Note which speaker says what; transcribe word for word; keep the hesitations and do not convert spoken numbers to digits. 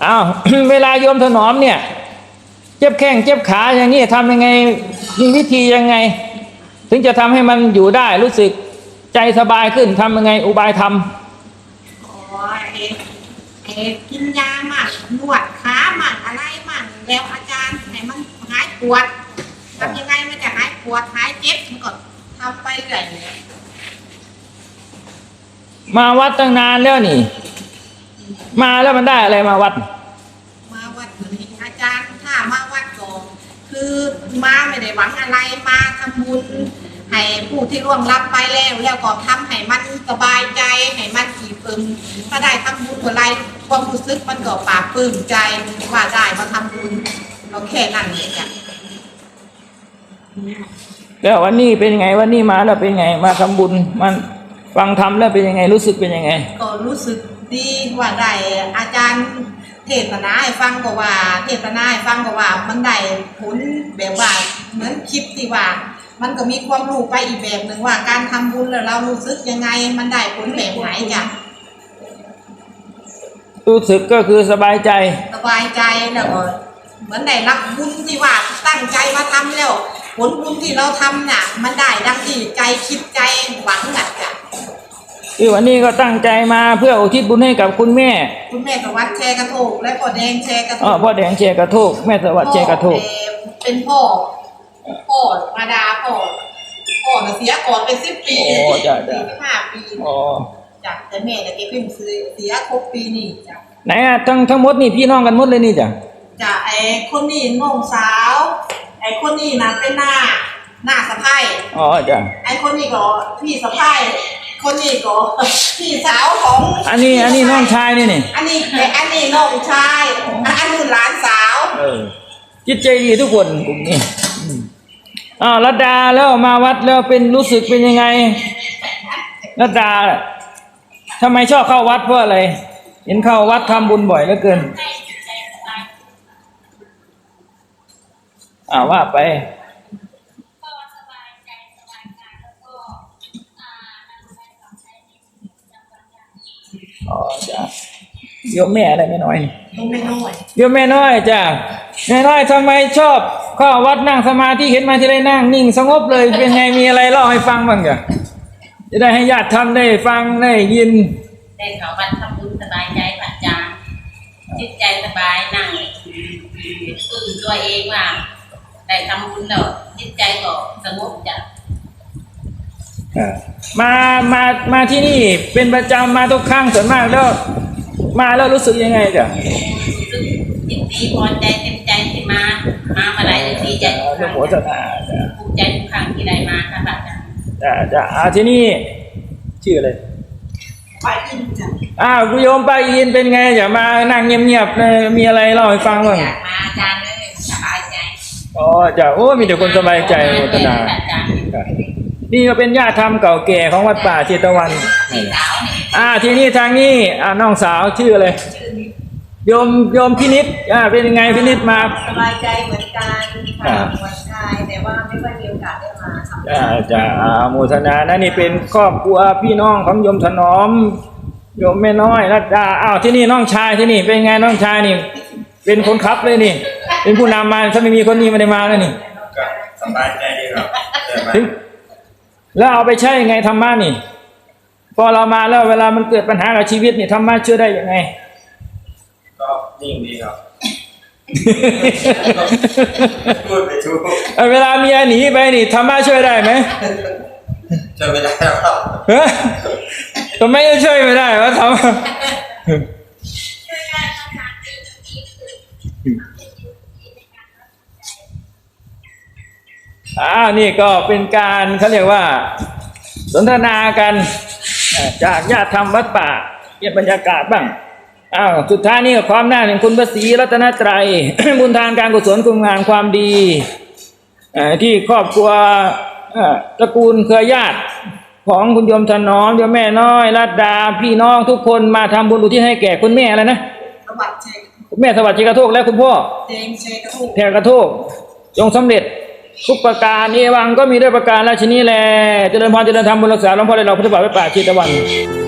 Speaker 1: อ้าว เวลาโยมถนอมเนี่ยเจ็บแข้งเจ็บขาอย่างนี้ทำยังไงมีวิธียังไงถึงจะทำให้มันอยู่ได้รู้สึกใจสบายขึ้นทำยังไงอุบายทำ
Speaker 2: อ๋อเอเอกินยาหมั่นนวดขาหมั่นอะไรหมั่นแล้วอาจารย์ให้มันหายปวดทำยังไงมันจะหายปวดหายเจ็บมันก็ทำไปเรื่อย
Speaker 1: มาวัดตั้งนานแล้วนี่มาแล้วมันได้อะไรมาวัด
Speaker 2: มาวัดนี้อาจารย์ถ้ามาวัดก่อนคือมาไม่ได้หวังอะไรมาทำบุญให้ผู้ที่ร่วงรับไปแล้วแล้วก็ทำให้มันสบายใจให้มันอิ่มเอิบถ้าได้ทำบุญอะไรความรู้สึกมันก็ปลาบปลื้มใจว่าได้มาทำบุญเราแค่นั้นเองจ้ะ
Speaker 1: แล้ววันนี้เป็นยังไงวันนี้มาแล้วเป็นยังไงมาทำบุญมันฟังธรรมแล้วเป็นยังไงรู้สึกเป็นยังไง
Speaker 2: ก็รู้สึกดีว่าได้อาจารย์เทศนาให้ฟังก็ว่าเทศนาให้ฟังก็ว่ามันได้ผลแบบว่าเหมือนคลิปที่ว่ามันก็มีความรู้ไปอีกแบบหนึ่งว่าการทำบุญแล้วเรารู้สึกยังไงมันได้ผลแบบไหนจ้ะ
Speaker 1: รู้สึกก็คือสบายใจ
Speaker 2: สบายใจแล้วก็เหมือนได้รับบุญที่ว่าตั้งใจมาทำแล้วผลบุญที่เราทำน่ะมันได้ดังที่ใจคิดใจหวังน่ะจ้ะ
Speaker 1: คือวันนี้ก็ตั้งใจมาเพื่ออุทิศบุญให้กับคุณแม่
Speaker 2: คุณแม่สวัสดิ์แชร์กระโถกและพ่อแดงแชร์กระโถก
Speaker 1: อ๋อพ่อแดงแชร์กระโถกแม่สวัสดิ์แชร์กระโถก
Speaker 2: เป็นพ่อพ่อมาดาพ่อพ่อเสียก่อนเป็นสิบปี
Speaker 1: โอ้จ้ะจ้ะ
Speaker 2: ห้าปี
Speaker 1: อ๋อ
Speaker 2: จ้ะแต่แม่เนี่ยแกเพิ่งเสียครบปีนี่จ้ะ
Speaker 1: ไหนอ่ะทั้งทั้งหมดนี่พี่น้องกันหมดเลยนี่จ้ะ
Speaker 2: จ้ะไอ้คนนี้น้องสาวไอ้คนนี้นะเป็นหน้าหน้าสะใภ้
Speaker 1: อ๋อจ้ะ
Speaker 2: ไอ้คนนี้ก็พี่สะใภ้คนนี้ก็พี่สาวของ
Speaker 1: อันนี้อันนี้น้องชายนี่นี่
Speaker 2: อันนี้อันนี้น้องชายอันนี้หลานสาว
Speaker 1: เออจิตใจดีทุกคนกลุ่มนี้อ้าวรัตดาแล้วมาวัดแล้วเป็นรู้สึกเป็นยังไงรัตดาทำไมชอบเข้าวัดเพราะอะไรเห็นเข้าวัดทำบุญบ่อยเหลือเกินอ่าว่าไปอ๋อจ้ะโยมแม่อะไรไม่น้อย
Speaker 2: โยมแม่น้อย
Speaker 1: โยมแม่น้อยจ้ะแม่น้อยทำไมชอบเข้าวัดนั่งสมาธิเห็นมาที่ได้นั่งนิ่งสงบเลยเป็นไงมีอะไรเล่าให้ฟังบ้างจ้ะจะได้ให้ญาติทำได้ฟังได้ยิน
Speaker 3: ได้เข้าวัดทำบุญสบายใจพระอาจารย์จิตใจสบายนั่งตื่นตัวเองว่าได้ทำบุญแล้วจิตใจก็สงบจ้ะ
Speaker 1: มามามาที่นี่เป็นประจำมาทุกครั้งส่วนมากแล้วมาแล้วรู้สึกยังไงจ้ะ
Speaker 3: รู้สึกยินดีพอใจเต็มใจที่มามามาหลายทีใจทุกครั้งภูมิใจทุกครั้งที่ได้มาค่ะพระอาจารย์
Speaker 1: จ้ะจ้ะอ่าที่นี่ชื่ออะไร
Speaker 2: ป้าอินจ้ะ
Speaker 1: อ้าวคุณโยมป้าอินเป็นไงอย่ามานั่งเงียบๆเลยมีอะไรเล่าให้ฟังบ้าง
Speaker 3: อยากมาอาจารย์เลยสบายใจ
Speaker 1: อ๋อจ้ะโอ้มีแต่คนสบายใจโมทนานี่ก็เป็นญาติธรรมเก่าแก่ของวัดป่าเชตวันอ่าที่นี่ทางนี้อ่าน้องสาวชื่ออะไรโยมโยมพินิจอ่าเป็นยังไงพินิจมา
Speaker 2: สบายใจเหมือนกันค่ะเหมือนชายแต่ว่าไม่ค่อยมีโอกาสได้มาทำ
Speaker 1: จ้าจ้าโมทนานะนี่เป็นครอบครัวพี่น้องของโยมถนอมโยมแม่น้อยรัตดาอ้าวที่นี่น้องชายที่นี่เป็นไงน้องชายนี่เป็นคนขับเลยนี่เป็นผู้นำมาถ้าไม่มีคนนี้ไม่ได้มาแล้วนี่
Speaker 4: สบายใจดีครับ
Speaker 1: แล้วเอาไปใช้ยังไงธรรมะนี่พอเรามาแล้วเวลามันเกิดปัญหากับชีวิตนี่ธรรมะช่วยได้ยังไง
Speaker 4: ก็นิ่งดีครับพูดไปทุก
Speaker 1: เวลาเมียหนีไปนี่ธรรมะช่วยได้ไหม
Speaker 4: ช่วยไม่ได้ครับ
Speaker 1: เฮ้ยทำไมจะช่วยไม่ได้วะธรรมะอ่านี่ก็เป็นการเขาเรียกว่าสนทนากันจากญาติธรรมวัดป่าเก็บบรรยากาศบ้างอ้าวสุดท้ายนี่ความน่าแห่งคุณพระศรีรัตนตรัย บุญทานการกุศลคุณงามความดีที่ครอบครัวตระกูลเครือญาติของคุณโยมถนอมโยมแม่น้อยรัตดาพี่น้องทุกคนมาทำบุญอุทิศให้แก่คุณแม่อะไรนะ
Speaker 2: สวัสดิ์
Speaker 1: คุณแม่สวัสดิ์เชกระโทกและคุณพ่อ
Speaker 2: แดงเชกระโทก
Speaker 1: แทกระโทกจงสำเร็จทุกประการเอวังก็มีด้วยประการราชนีแลเจริญพรเจริญธรรมบุญรักษาหลวงพ่อได้เราพุทธบาทไว้ป่าเชตวัน